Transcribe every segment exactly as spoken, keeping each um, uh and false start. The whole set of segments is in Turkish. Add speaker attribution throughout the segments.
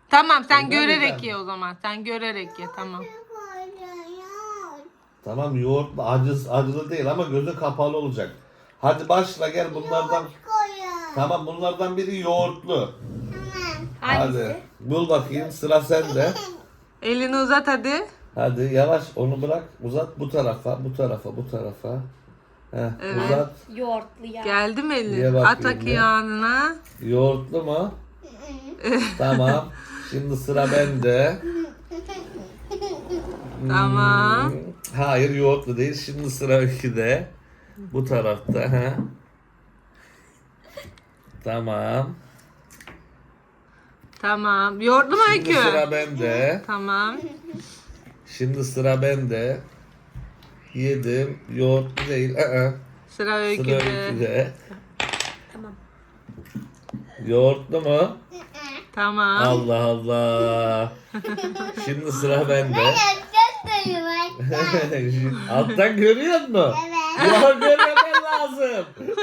Speaker 1: Tamam sen
Speaker 2: Öyle
Speaker 1: görerek
Speaker 2: mi?
Speaker 1: ye o zaman. Sen görerek ye tamam.
Speaker 2: Tamam yoğurtlu acı, acılı değil ama gözü kapalı olacak. Hadi başla gel bunlardan. Tamam bunlardan biri yoğurtlu. Hadi
Speaker 3: Hangisi?
Speaker 2: bul bakayım sıra sende.
Speaker 1: Elini uzat hadi.
Speaker 2: Hadi yavaş onu bırak uzat bu tarafa bu tarafa bu tarafa. Heh,
Speaker 1: Evet.
Speaker 2: uzat.
Speaker 3: Yoğurtlu ya.
Speaker 1: Geldi mi
Speaker 2: Ye
Speaker 1: elin?
Speaker 2: bakayım
Speaker 1: At bakayım
Speaker 2: bir.
Speaker 1: ağzına.
Speaker 2: Yoğurtlu mu? Tamam. Şimdi sıra bende.
Speaker 1: Tamam.
Speaker 2: Hmm, Hayır yoğurtlu değil. Şimdi sıra Öykü'de. Bu tarafta. Ha. Tamam.
Speaker 1: Tamam. Yoğurtlu mu
Speaker 2: Şimdi
Speaker 1: Öykü?
Speaker 2: sıra bende.
Speaker 1: Tamam.
Speaker 2: Şimdi sıra bende. Yedim. Yoğurtlu değil. Aa,
Speaker 1: Sıra
Speaker 2: sıra
Speaker 1: Öykü'de.
Speaker 2: Öykü'de.
Speaker 3: Tamam.
Speaker 2: Yoğurtlu mu?
Speaker 1: Tamam.
Speaker 2: Allah Allah. Şimdi sıra bende. Alttan görüyor musun? Evet. Ya görmemen lazım.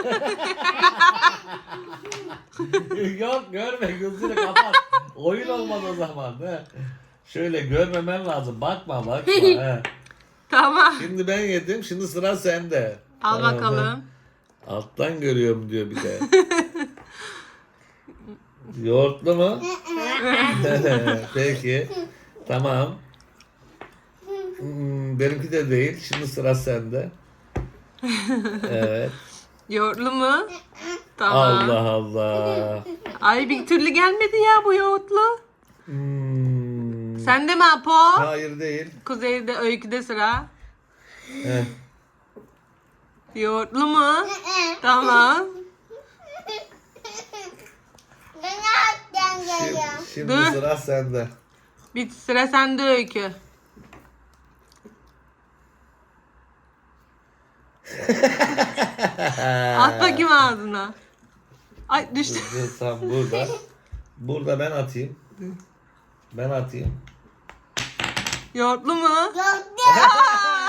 Speaker 2: Yok görme gözünü kapat. Oyun olmaz o zaman. He. Şöyle görmemen lazım. Bakma bakma. He.
Speaker 1: Tamam.
Speaker 2: Şimdi ben yedim. Şimdi sıra sende.
Speaker 1: Al
Speaker 2: Tamam,
Speaker 1: bakalım.
Speaker 2: he. Alttan görüyorum diyor bir de. Yoğurtlu mu? Peki. Tamam. Hmm, benimki de değil. Şimdi sıra sende. Evet.
Speaker 1: Yoğurtlu mu? Tamam.
Speaker 2: Allah Allah.
Speaker 1: Ay bir türlü gelmedi ya bu yoğurtlu.
Speaker 2: Hmm.
Speaker 1: Sende mi Apo?
Speaker 2: Hayır değil.
Speaker 1: Kuzeyde Öykü'de sıra.
Speaker 2: Heh.
Speaker 1: Yoğurtlu mu? Tamam.
Speaker 2: Şimdi, şimdi
Speaker 1: Dur.
Speaker 2: sıra sende.
Speaker 1: Bir sıra sende Öykü. At bakayım ağzına. Ay düştü.
Speaker 2: Dur, dur, tam burada. Burada ben atayım. Ben atayım.
Speaker 1: Yoğurtlu mu?
Speaker 4: Yok.
Speaker 1: Aa!